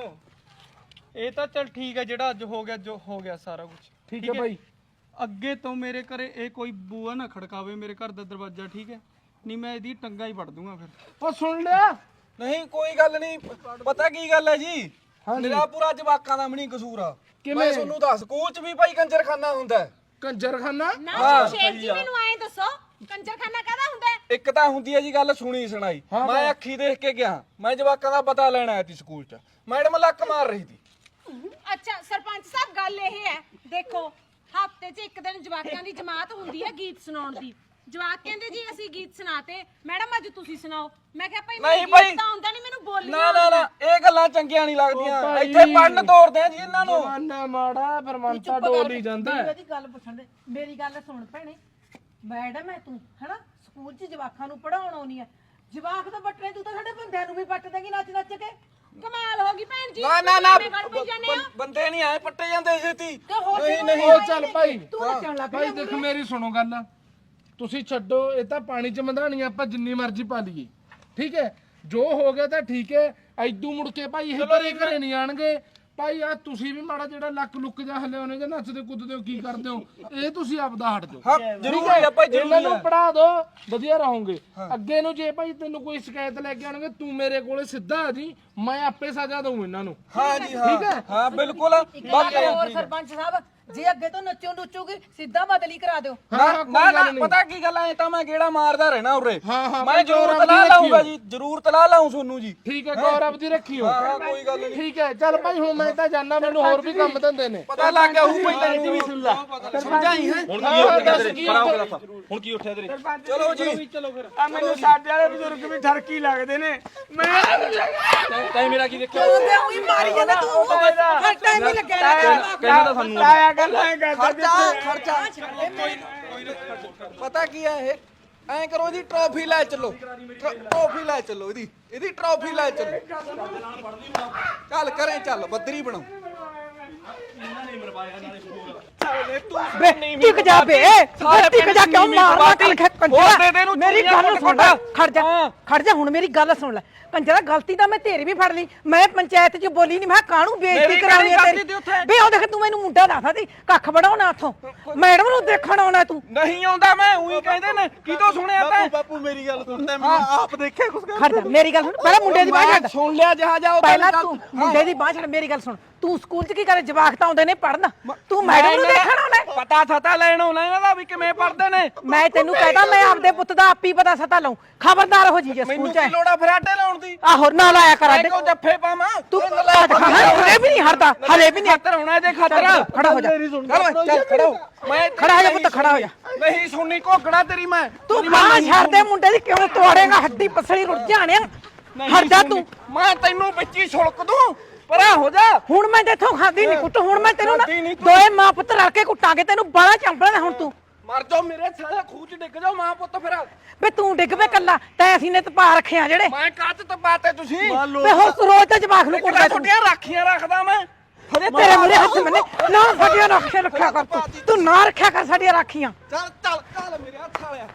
Speaker 3: ਇਹ ਤਾਂ ਚੱਲ ਠੀਕ ਹੈ ਜਿਹੜਾ ਅੱਜ ਹੋ ਗਿਆ ਜੋ ਹੋ ਗਿਆ ਸਾਰਾ ਕੁਝ
Speaker 4: ਠੀਕ ਹੈ ਭਾਈ
Speaker 3: ਅੱਗੇ ਤੋਂ ਮੇਰੇ ਘਰੇ ਇਹ ਕੋਈ ਬੂਆ ਨਾ ਖੜਕਾਵੇ ਮੇਰੇ ਘਰ ਦਾ ਦਰਵਾਜ਼ਾ ਠੀਕ ਹੈ ਨਹੀਂ ਮੈਂ ਇਹਦੀ ਟੰਗਾ ਹੀ ਵੜ ਦੂੰਗਾ ਫਿਰ
Speaker 4: ਉਹ ਸੁਣ ਲਿਆ
Speaker 8: ਨਹੀਂ ਕੋਈ ਗੱਲ ਨਹੀਂ ਪਤਾ ਕੀ ਗੱਲ ਹੈ ਜੀ ਮੇਰਾ ਪੂਰਾ ਜਵਾਕਾਂ ਦਾ ਵੀ ਨਹੀਂ ਕਸੂਰ ਆ ਮੈਂ ਤੁਹਾਨੂੰ ਦੱਸ ਸਕੂਲ ਚ ਵੀ ਭਾਈ ਕੰਜਰਖਾਨਾ ਹੁੰਦਾ ਹੈ।
Speaker 4: ਕੰਜਰਖਾਨਾ
Speaker 2: ਨਾ ਸ਼ੇਖ ਜੀ ਮੈਨੂੰ ਐਂ ਦੱਸੋ ਕੰਜਰਖਾਨਾ ਕਾਹਦਾ ਹੁੰਦਾ ਹੈ?
Speaker 8: ਇੱਕ ਤਾਂ ਹੁੰਦੀ ਹੈ ਜੀ ਗੱਲ ਸੁਣੀ ਸੁਣਾਈ ਮੈਂ ਅੱਖੀ ਦੇਖ ਕੇ ਗਿਆ ਮੈਂ ਜਵਾਕਾਂ ਦਾ ਪਤਾ ਲੈਣ ਆਇਆ ਸੀ ਸਕੂਲ ਚ ਮੈਡਮ ਲੱਕ ਮਾਰ ਰਹੀ ਸੀ
Speaker 2: ਅੱਛਾ ਸਰਪੰਚ ਸਾਹਿਬ ਗੱਲ ਇਹ ਹੈ ਦੇਖੋ ਹਫਤੇ 'ਚ ਇੱਕ ਦਿਨ ਜਵਾਕਾਂ ਦੀ ਜਮਾਤ ਹੁੰਦੀ ਹੈ ਗੀਤ ਸੁਣਾਉਣ ਦੀ ਜਵਾਕ ਕਹਿੰਦੇ ਜੀ ਅਸੀਂ ਗੀਤ ਸੁਣਾਤੇ ਮੈਡਮ ਅੱਜ ਤੁਸੀਂ ਸੁਣਾਓ ਮੈਂ ਕਿਹਾ ਭਾਈ
Speaker 8: ਨਹੀਂ
Speaker 2: ਮੈਨੂੰ
Speaker 8: ਭਾਈ।
Speaker 2: ਗੀਤ ਤਾਂ ਆਉਂਦਾ ਨਹੀਂ ਮੈਨੂੰ ਬੋਲਣੀ
Speaker 8: ਨਾ ਨਾ ਨਾ ਇਹ ਗੱਲਾਂ ਚੰਗੀਆਂ ਨਹੀਂ ਲੱਗਦੀਆਂ
Speaker 4: ਭਾਈ।
Speaker 8: ਇੱਥੇ ਪੜਨ ਤੋਰਦੇ ਆ ਜੀ ਇਹਨਾਂ ਨੂੰ
Speaker 4: ਜਮਾਨਾ ਮਾੜਾ ਪਰ ਮਨ ਤਾਂ ਡੋਲ ਹੀ ਜਾਂਦਾ ਹੈ।
Speaker 6: ਇਹਦੀ ਗੱਲ ਪੁੱਛਣ ਦੇ ਮੇਰੀ ਗੱਲ ਸੁਣ ਭੈਣੇ ਮੈਡਮ ਹੈ ਤੂੰ ਹਨਾ ਸਕੂਲ 'ਚ ਜਵਾਕਾਂ ਨੂੰ ਪੜਾਉਣ ਆਉਣੀ ਹੈ ਜਵਾਕ ਤਾਂ ਬੱਟਣੇ ਤੂੰ ਤਾਂ ਸਾਡੇ ਬੰਦਿਆਂ ਨੂੰ ਵੀ ਪੱਟ ਦੇਗੀ ਨੱਚ ਨੱਚ ਕੇ
Speaker 2: ਕਮਾਲ ਹੋ ਗਈ ਭੈਣ ਜੀ
Speaker 8: ਨਾ ਨਾ ਨਾ
Speaker 2: ਤੁਸੀਂ ਗੱਲ ਪਈ ਜਾਂਦੇ ਹੋ।
Speaker 8: ਬੰਦੇ ਨਹੀਂ ਆਏ ਪੱਟੇ ਜਾਂਦੇ ਛੇਤੀ
Speaker 6: ਤੇ ਹੋਰ
Speaker 8: ਨਹੀਂ
Speaker 6: ਕਿਉਂ
Speaker 8: ਨਹੀਂ
Speaker 4: ਉਹ ਚੱਲ ਭਾਈ
Speaker 6: ਤੂੰ ਨੱਚਣ ਲੱਗ
Speaker 4: ਭਾਈ ਦੇਖ ਮੇਰੀ ਸੁਣੋ ਗੱਲ ਤੁਸੀਂ ਛੱਡੋ ਇਹ ਤਾਂ ਪਾਣੀ ਚ ਮੰਧਾਣੀ ਆਪਾਂ ਜਿੰਨੀ ਮਰਜ਼ੀ ਪਾ ਲਈਏ ਠੀਕ ਹੈ ਜੋ ਹੋ ਗਿਆ ਤਾਂ ਠੀਕ ਹੈ ਐਦੂ ਮੁੜ ਕੇ ਭਾਈ ਇਹ ਘਰੇ ਘਰੇ ਨਹੀਂ ਆਣਗੇ ਭਾਈ ਆ ਤੁਸੀਂ ਵੀ ਮਾੜਾ ਜਿਹੜਾ ਲੱਕ ਲੁੱਕ ਜਾ ਹਲੇ ਉਹਨੇ ਜਾਂ ਨੱਚਦੇ ਕੁੱਦਦੇ ਹੋ ਕੀ ਕਰਦੇ ਹੋ ਇਹ ਤੁਸੀਂ ਆਪਦਾ ਹਟ ਜਾਓ
Speaker 8: ਹਾਂ ਜ਼ਰੂਰ ਹੈ ਭਾਈ
Speaker 4: ਇਹਨਾਂ
Speaker 8: ਜ਼ਰੂਰ
Speaker 4: ਨੂੰ
Speaker 8: ਹੈ।
Speaker 4: ਪੜਾ ਦੋ ਵਧੀਆ ਰਹੋਗੇ ਅੱਗੇ ਨੂੰ ਜੇ ਭਾਈ ਤੈਨੂੰ ਕੋਈ ਸ਼ਿਕਾਇਤ ਲੈ ਕੇ ਆਣਗੇ ਤੂੰ ਮੇਰੇ ਕੋਲੇ ਸਿੱਧਾ ਆ ਜੀ ਮੈਂ ਆਪੇ ਸਜ਼ਾ ਦਊਂ ਇਹਨਾਂ ਨੂੰ
Speaker 8: ਹਾਂ ਜੀ ਹਾਂ
Speaker 4: ਠੀਕ ਹੈ
Speaker 8: ਹਾਂ ਬਿਲਕੁਲ ਬਾਕੀ
Speaker 6: ਹੋਰ ਸਰਪੰਚ ਸਾਹਿਬ ਜੇ ਅੱਗੇ ਤੋਂ ਨੱਚੋ ਨੁੱਚੋਗੇ ਸਿੱਧਾ ਬਦਲੀ ਕਰਾ ਦਿਓ
Speaker 4: ਹਾਂ
Speaker 8: ਨਾ
Speaker 4: ਹਾਂ ਕੋਈ
Speaker 8: ਨਾ
Speaker 4: ਗੱਲ
Speaker 8: ਨਾ
Speaker 4: ਨਹੀਂ
Speaker 8: ਪਤਾ ਕੀ ਗੱਲ ਐ ਤਾਂ ਮੈਂ ਗੇੜਾ ਮਾਰਦਾ ਰਹਿਣਾ ਉਰੇ
Speaker 4: ਹਾਂ, ਹਾਂ,
Speaker 8: ਮੈਂ
Speaker 4: ਭਾਈ
Speaker 8: ਜ਼ਰੂਰ
Speaker 4: ਗੌਰਵ
Speaker 8: ਤਲਾ
Speaker 4: ਦੀ
Speaker 8: ਲਾਉਂਗਾ
Speaker 4: ਰੱਖਿਓ।
Speaker 8: ਜੀ ਜ਼ਰੂਰ ਤਲਾ ਲਾਉਂ ਤੁਹਾਨੂੰ ਜੀ
Speaker 4: ਠੀਕ ਹੈ ਗੌਰਵ ਦੀ ਰੱਖਿਓ
Speaker 8: ਹਾਂ ਕੋਈ ਗੱਲ ਨਹੀਂ
Speaker 4: ਠੀਕ ਹੈ ਚੱਲ ਭਾਈ ਹੁਣ ਮੈਂ ਤਾਂ ਜਾਣਾ ਮੈਨੂੰ ਹੋਰ ਵੀ ਕੰਮ ਧੰਦੇ ਨੇ
Speaker 8: ਪਤਾ ਲੱਗ ਗਿਆ ਹੂ ਪਹਿਲਾਂ
Speaker 5: ਤੂੰ ਵੀ ਸੁਣ ਲੈ
Speaker 4: ਸਮਝਾਈ ਹੈ
Speaker 5: ਹੁਣ
Speaker 4: ਹਾਂ,
Speaker 5: ਕੀ ਉੱਠਿਆ
Speaker 4: ਦੱਸ
Speaker 5: ਤੇਰੇ
Speaker 4: ਕੀ
Speaker 5: ਖੜਾ ਹੋ
Speaker 4: ਉੱਠਿਆ?
Speaker 5: ਕੇ ਦੱਸ ਹੁਣ ਕੀ ਉੱਠਿਆ ਤੇਰੇ
Speaker 8: ਚਲੋ ਜੀ
Speaker 3: ਚਲੋ ਫਿਰ
Speaker 1: ਆ ਮੈਨੂੰ ਸਾਡੇ ਵਾਲੇ ਬਜ਼ੁਰਗ ਵੀ ਠਰਕੀ ਲੱਗਦੇ ਨੇ ਮੈਂ
Speaker 5: ਤੈਂ ਮੇਰਾ ਕੀ ਦੇਖਿਆ
Speaker 6: ਤੂੰ ਤੇ ਉਹੀ ਮਾਰੀ ਜਾਂਦਾ ਤੂੰ ਹਰ ਟਾਈਮ ਹੀ ਲੱਗਿਆ ਰਹਿੰਦਾ
Speaker 5: ਕਹਿੰਦਾ ਤਾਂ ਸਾਨੂੰ
Speaker 1: ਆਇਆ ਗੱਲਾਂ ਕਰਦਾ
Speaker 8: ਖਰਚਾ ਖਰਚਾ ਪਤਾ ਕੀ ਹੈ ਇਹ ਐਂ ਕਰੋ ਜੀ ਟਰੋਫੀ ਲੈ ਚੱਲੋ ਟਰੋਫੀ ਲੈ ਚੱਲੋ ਇਹਦੀ ਇਹਦੀ ਟਰੋਫੀ ਲੈ ਚੱਲੋ ਚੱਲ ਕਰੇ ਚੱਲ ਬੱਦਰੀ ਬਣਾਓ
Speaker 6: ਬੇ ਟਿਕ ਜਾ ਬੇ ਟਿਕ ਜਾ ਕਿਉਂ ਮਾਰਦਾ ਕੱਲ ਕੰਜਰਾ ਮੇਰੀ ਗੱਲ ਸੁਣ ਲੈ ਖੜ ਜਾ ਖੜ ਜਾ ਹੁਣ ਮੇਰੀ ਗੱਲ ਸੁਣ ਲੈ ਕੰਜਰਾ ਗਲਤੀ ਤਾਂ ਮੈਂ ਤੇਰੀ ਵੀ ਫੜ ਲਈ ਮੈਂ ਪੰਚਾਇਤ 'ਚ ਬੋਲੀ ਨਹੀਂ ਮੈਂ ਕਾਹਨੂੰ ਬੇਇੱਜ਼ਤੀ ਕਰਾਉਣੀ ਹੈ ਤੇਰੀ ਬੇ ਉਹ ਦੇਖ ਤੂੰ ਮੈਨੂੰ ਮੁੰਡਾ ਦੱਸਦਾ ਸੀ ਕੱਖ ਵੜਾਉਣਾ ਉੱਥੋਂ ਮੈਡਮ ਨੂੰ ਦੇਖਣ ਆਉਣਾ ਤੂੰ
Speaker 8: ਨਹੀਂ ਆਉਂਦਾ ਮੈਂ ਉਹੀ ਕਹਿੰਦੇ ਨੇ ਕਿਤੋਂ ਸੁਣਿਆ ਤੈਂ
Speaker 5: ਬਾਪੂ ਮੇਰੀ ਗੱਲ ਸੁਣਦਾ ਮੈਂ ਆਪ ਦੇਖਿਆ ਕੁਛ
Speaker 6: ਖੜ ਜਾ ਮੇਰੀ ਗੱਲ ਸੁਣ ਪਹਿਲਾਂ ਮੁੰਡੇ ਦੀ ਬਾਂਹ ਛੱਡ
Speaker 8: ਸੁਣ ਲਿਆ ਜਹਾ ਜਾ
Speaker 6: ਪਹਿਲਾਂ ਤੂੰ ਮੁੰਡੇ ਦੀ ਬਾਂਹ ਛੱਡ ਮੇਰੀ ਗੱਲ ਸੁਣ ਤੂੰ ਸਕੂਲ 'ਚ ਕੀ ਕਰੇ ਜਵਾਕ ਤਾਂ ਆਉਂਦੇ ਨੇ ਪੜਨ ਤੂੰ ਮੈਡਮ ਨੂੰ ਦੇਖਣ ਆਉਣਾ
Speaker 8: ਪਤਾ ਥਤਾ ਲੈਣ ਆਉਣਾ ਇਹਨਾਂ ਦਾ ਵੀ ਕਿਵੇਂ ਪੜਦੇ ਨੇ
Speaker 6: ਮੈਂ ਤੈਨੂੰ ਕਹਿਦਾ ਨਾਲੇ ਆਪਦੇ ਪੁੱਤ ਦਾ ਆਪੀ ਪਤਾ ਸਤਾ ਲਾਉ ਖਬਰਦਾਰ ਹੋ ਜੀ ਜੇ ਸਕੂਲ
Speaker 4: ਮੈਨੂੰ
Speaker 6: ਚ
Speaker 4: ਕੀ ਲੋੜਾ ਫਰਾਟੇ ਲਾਉਣ ਦੀ
Speaker 6: ਆਹੋ ਨਾ ਲਾਇਆ ਕਰ
Speaker 4: ਮੈਂ
Speaker 6: ਅੱਡੇ
Speaker 4: ਕਿਉਂ ਜੱਫੇ ਪਾਵਾਂ
Speaker 6: ਤੂੰ ਹਲੇ ਵੀ ਨਹੀਂ ਹਟਦਾ ਹਲੇ ਵੀ ਨਹੀਂ
Speaker 4: ਖਾਤਰ ਹੋਣਾ ਇਹਦੇ ਖਾਤਰ
Speaker 6: ਖੜਾ ਹੋ ਜਾ
Speaker 4: ਚੱਲ ਓਏ, ਚੱਲ ਖੜਾ ਹੋ ਮੈਂ
Speaker 6: ਖੜਾ ਹੋ ਜਾ ਪੁੱਤ ਖੜਾ ਹੋ ਜਾ
Speaker 4: ਨਹੀਂ ਸੁਣਨੀ ਘੋਗੜਾ ਤੇਰੀ ਮੈਂ
Speaker 6: ਤੂੰ ਬਾਹ ਛੱਡ ਦੇ ਮੁੰਡੇ ਦੀ ਕਿਉਂ ਤੋੜੇਗਾ ਹੱਡੀ ਪਸਲੀ ਰੁੱਟ ਜਾਣਿਆ ਹਟ ਜਾ ਤੂੰ
Speaker 4: ਮੈਂ ਤੈਨੂੰ ਵਿੱਚ ਹੀ ਛੁਲਕ ਦੂੰ ਪਰਾਂ ਹੋ ਜਾ
Speaker 6: ਹੁਣ ਮੈਂ ਤੇਥੋਂ ਖਾਂਦੀ ਨਹੀਂ ਕੁੱਟ ਹੁਣ ਮੈਂ ਤੈਨੂੰ ਨਾ
Speaker 4: ਖਾਂਦੀ ਨੀ ਤੂੰ।
Speaker 6: ਦੋਏ ਮਾਂ ਪੁੱਤ ਰਲ ਕੇ ਕੁੱਟਾਂਗੇ ਤੈਨੂੰ ਬਾਲਾ ਚੰਬਲਣਾ ਹੁਣ ਤੂੰ
Speaker 4: ਮਰ ਜਾਓ ਮੇਰੇ ਸਾਲੇ ਖੂਚ ਡਿੱਗ ਜਾਓ ਮਾਂ ਪੁੱਤ ਫਿਰ
Speaker 6: ਵੇ ਤੂੰ ਡਿੱਗ ਵੇ ਕੱਲਾ ਤੈਂ ਅਸੀਂ ਨੇ ਤਪਾ ਰੱਖਿਆ ਜਿਹੜੇ
Speaker 4: ਮੈਂ ਕੱਚ ਤਪਾਤੇ ਤੁਸੀਂ
Speaker 6: ਵੇ ਹੁਣ ਤੂੰ ਰੋਜ਼ ਤੇ ਜਵਾਕ ਨੂੰ ਕੁੱਟਦਾ ਤੂੰ
Speaker 4: ਛੋਟੀਆਂ ਰਾਖੀਆਂ ਰੱਖਦਾ ਮੈਂ
Speaker 6: ਹਰੇ ਤੇਰੇ ਮੇਰੇ ਹੱਥ ਮੈਨੇ ਨਾ ਸਾਡੀਆਂ ਰਾਖੀਆਂ ਰੱਖਿਆ ਕਰ ਤੂੰ ਤੂੰ ਨਾ ਰੱਖਿਆ ਕਰ ਸਾਡੀਆਂ ਰਾਖੀਆਂ
Speaker 4: ਚੱਲ ਚੱਲ ਚੱਲ ਮੇਰੇ ਹੱਥ ਵਾਲਿਆ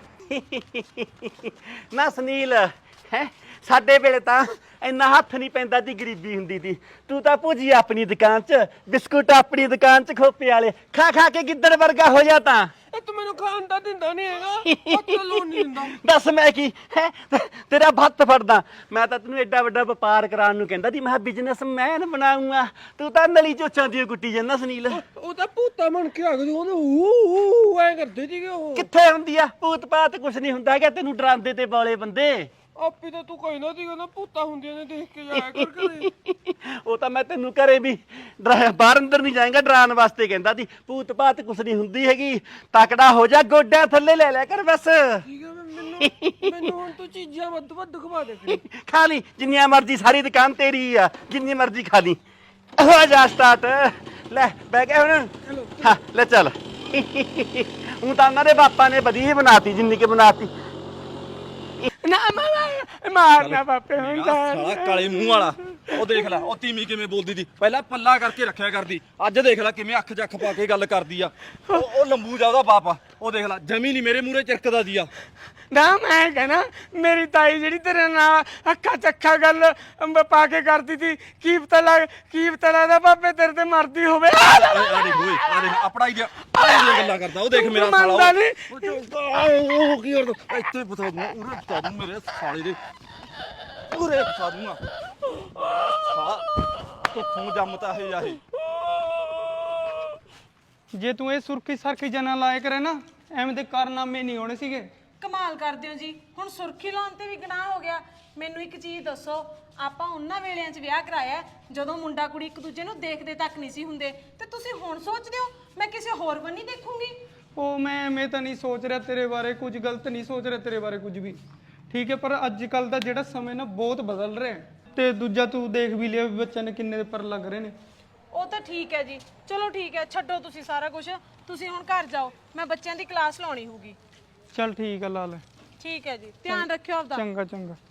Speaker 7: ਨਾ ਸੁਨੀਲ ਹੈ ਸਾਡੇ ਵੇਲੇ ਤਾਂ ਇੰਨਾ ਹੱਥ ਨਹੀਂ ਪੈਂਦਾ ਦੀ ਗਰੀਬੀ ਹੁੰਦੀ ਸੀ ਤੂੰ ਤਾਂ ਭੁਜੀ ਆਪਣੀ ਦੁਕਾਨ 'ਚ ਬਿਸਕੁਟ ਆਪਣੀ ਦੁਕਾਨ 'ਚ ਖੋਪੇ ਵਾਲੇ ਖਾ ਖਾ ਕੇ ਗਿੱਦੜ ਵਰਗਾ ਹੋ ਜਾ ਤਾਂ
Speaker 4: ਇਹ ਤੂੰ ਮੈਨੂੰ ਖਾਣ ਦਾ ਦਿੰਦਾ ਨਹੀਂ ਹੈਗਾ ਉਹ ਚਲੋ ਨਹੀਂ ਦਿੰਦਾ
Speaker 7: ਦੱਸ ਮੈਂ ਕੀ ਹੈ ਤੇਰਾ ਭੱਤ ਫੜਦਾ ਮੈਂ ਤਾਂ ਤੈਨੂੰ ਐਡਾ ਵੱਡਾ ਵਪਾਰ ਕਰਾਉਣ ਨੂੰ ਕਹਿੰਦਾ ਸੀ ਮੈਂ ਬਿਜ਼ਨਸਮੈਨ ਬਣਾਉਂਗਾ ਤੂੰ ਤਾਂ ਨਲੀ ਚੋਚਾਂ ਦੀ ਗੁੱਟੀ ਜਾਂਦਾ ਸੁਨੀਲ
Speaker 4: ਉਹ ਤਾਂ ਭੂਤਾ ਬਣ ਕੇ ਆ ਗਏ ਉਹਦੇ ਊ ਐ ਕਰਦੇ ਸੀਗੇ ਉਹ
Speaker 7: ਕਿੱਥੇ ਹੁੰਦੀ ਆ ਭੂਤ ਪਾਤ ਕੁਛ ਨਹੀਂ ਹੁੰਦਾ ਹੈਗਾ ਤੈਨੂੰ ਡਰਾਉਂਦੇ ਤੇ ਬੋਲੇ ਬੰਦੇ
Speaker 4: ਆਪੀ ਤਾਂ ਤੂੰ ਕਹਿੰਦਾ ਸੀ ਨਾ ਭੂਤਾ ਹੁੰਦੀਆਂ ਨੇ ਦੇਖ ਕੇ ਜਾਇਆ ਕਰ ਘਰੇ
Speaker 7: ਉਹ ਤਾਂ ਮੈਂ ਤੈਨੂੰ ਘਰੇ ਵੀ ਡਰਾ- ਬਾਹਰ ਅੰਦਰ ਨਹੀਂ ਜਾਏਗਾ ਡਰਾਉਣ ਵਾਸਤੇ ਕਹਿੰਦਾ ਸੀ ਭੂਤ ਭਾਤ ਕੁਛ ਨਹੀਂ ਹੁੰਦੀ ਹੈਗੀ ਤਕੜਾ ਹੋ ਜਾ ਗੋਡਿਆਂ ਥੱਲੇ ਲੈ ਲਿਆ ਕਰ ਬਸ
Speaker 4: ਠੀਕ ਹੈ ਮੈਨੂੰ ਮੈਨੂੰ ਹੁਣ ਤੂੰ ਚੀਜ਼ਾਂ ਵੱਧ ਵੱਧ ਖਵਾ ਦੇ ਫਿਰ
Speaker 7: ਖਾ ਲਈ ਜਿੰਨੀਆਂ ਮਰਜ਼ੀ ਸਾਰੀ ਦੁਕਾਨ ਤੇਰੀ ਆ ਜਿੰਨੀ ਮਰਜ਼ੀ ਖਾ ਲਈ ਹੋ ਜਾ ਸਟਾਰਟ ਲੈ ਬਹਿ ਗਿਆ ਹੁਣ ਹਾਂ ਲੈ ਚੱਲ ਹੁਣ ਤਾਂ ਉਹਨਾਂ ਦੇ ਬਾਪਾ ਨੇ ਵਧੀਆ ਬਣਾਤੀ ਜਿੰਨੀ ਕਿ ਬਣਾਤੀ
Speaker 1: ਨਾ ਮਾਰ ਮਾਰਨਾ ਬਾਪੇ ਹੁਣ ਤਾਂ
Speaker 5: ਸਾਲਾ ਕਾਲੇ ਮੂੰਹ ਵਾਲਾ ਉਹ ਦੇਖ ਲੈ ਉਹ ਤੀਮੀ ਕਿਵੇਂ ਬੋਲਦੀ ਦੀ ਪਹਿਲਾਂ ਪੱਲਾ ਕਰਕੇ ਰੱਖਿਆ ਕਰਦੀ ਅੱਜ ਦੇਖ ਲੈ ਕਿਵੇਂ ਅੱਖ ਜੱਖ ਪਾ ਕੇ ਗੱਲ ਕਰਦੀ ਆ ਉਹ ਉਹ ਲੰਬੂ ਜਾ ਉਹਦਾ ਬਾਪ ਆ ਉਹ ਦੇਖ ਲੈ ਜਮੀ ਨਹੀਂ ਮੇਰੇ ਮੂਹਰੇ ਚਿਰਕਦਾ ਦੀ ਆ
Speaker 1: ਨਾ ਮੈਂ ਕਹਿਣਾ ਮੇਰੀ ਤਾਈ ਜਿਹੜੀ ਤੇਰੇ ਨਾਲ ਅੱਖਾਂ ਚੱਖਾ ਗੱਲ ਅੰਬ ਪਾ ਕੇ ਕਰਦੀ ਸੀ ਕੀ ਪਤਾ ਲੱਗ ਕੀ ਪਤਾ ਲੱਗਦਾ ਬਾਪੇ ਤੇਰੇ ਤੇ ਮਰਦੀ ਹੋਵੇ
Speaker 5: ਆ ਦੇਖ ਓਏ ਆ ਦੇਖ ਆਪਣਾ ਹੀ ਦੀਆਂ ਗੱਲਾਂ ਕਰਦਾ ਉਹ ਦੇਖ ਮੇਰਾ ਸਾਲਾ
Speaker 1: ਮੰਨਦਾ
Speaker 5: ਉਹ-
Speaker 1: ਨੀ।
Speaker 5: ਉਹ ਉਹ ਕੀ ਕਰਦਾ ਇੱਥੇ ਬਤਾ ਦੂੰ ਉਰੇ ਬਤਾ ਦੂੰ ਮੇਰੇ ਸਾਲੇ ਦੇ ਉਰੇ ਬਤਾ ਦੂੰਗਾ ਸਾਲਾ ਤੂੰ ਜੰਮਤਾ ਹੈ ਜਾਹੀ
Speaker 3: ਜੇ ਤੂੰ ਇਹ ਸੁਰਖੀ ਸਰਖੀ ਜਨਾ ਲਾਇਆ ਕਰੇ ਨਾ ਐਵੇਂ ਦੇ ਕਾਰਨਾਮੇ ਨਹੀਂ ਹੋਣੇ ਸੀਗੇ
Speaker 2: ਕਮਾਲ ਕਰਦੇ ਹੋ ਜੀ ਹੁਣ ਸੁਰਖੀ ਲਾਉਣ ਤੇ ਵੀ ਗੁਨਾਹ ਹੋ ਗਿਆ ਮੈਨੂੰ ਇੱਕ ਚੀਜ਼ ਦੱਸੋ ਆਪਾਂ ਉਹਨਾਂ ਵੇਲਿਆਂ 'ਚ ਵਿਆਹ ਕਰਾਇਆ ਹੈ, ਜਦੋਂ ਮੁੰਡਾ ਕੁੜੀ ਇੱਕ ਦੂਜੇ ਨੂੰ ਦੇਖਦੇ ਤੱਕ ਨਹੀਂ ਸੀ ਹੁੰਦੇ ਤੇ ਤੁਸੀਂ ਹੁਣ ਸੋਚਦੇ ਹੋ ਮੈਂ ਕਿਸੇ ਹੋਰ ਬੰਨੀ ਦੇਖੂੰਗੀ
Speaker 3: ਉਹ ਮੈਂ ਐਵੇਂ ਤਾਂ ਨਹੀਂ ਸੋਚ ਰਿਹਾ ਤੇਰੇ ਬਾਰੇ ਕੁਝ ਗਲਤ ਨਹੀਂ ਸੋਚ ਰਿਹਾ ਤੇਰੇ ਬਾਰੇ ਕੁਝ ਵੀ ਠੀਕ ਹੈ ਪਰ ਅੱਜ ਕੱਲ ਦਾ ਜਿਹੜਾ ਸਮੇਂ ਨਾ ਬਹੁਤ ਬਦਲ ਰਿਹਾ ਹੈ। ਤੇ ਦੂਜਾ ਤੂੰ ਦੇਖ ਵੀ ਲਿਆ ਵੀ ਬੱਚਿਆਂ ਨੇ ਕਿੰਨੇ ਪਰ ਲੱਗ ਰਹੇ ਨੇ
Speaker 2: ਉਹ ਤਾਂ ਠੀਕ ਹੈ ਜੀ ਚਲੋ ਠੀਕ ਹੈ ਛੱਡੋ ਤੁਸੀਂ ਸਾਰਾ ਕੁਝ ਤੁਸੀਂ ਹੁਣ ਘਰ ਜਾਓ ਮੈਂ ਬੱਚਿਆਂ ਦੀ ਕਲਾਸ ਲਾਉਣੀ ਹੋਊਗੀ
Speaker 3: ਚੱਲ ਠੀਕ ਆ ਲਾ ਲੈ
Speaker 2: ਠੀਕ ਹੈ ਜੀ ਧਿਆਨ ਰੱਖਿਓ ਆਪਦਾ
Speaker 3: ਚੰਗਾ ਚੰਗਾ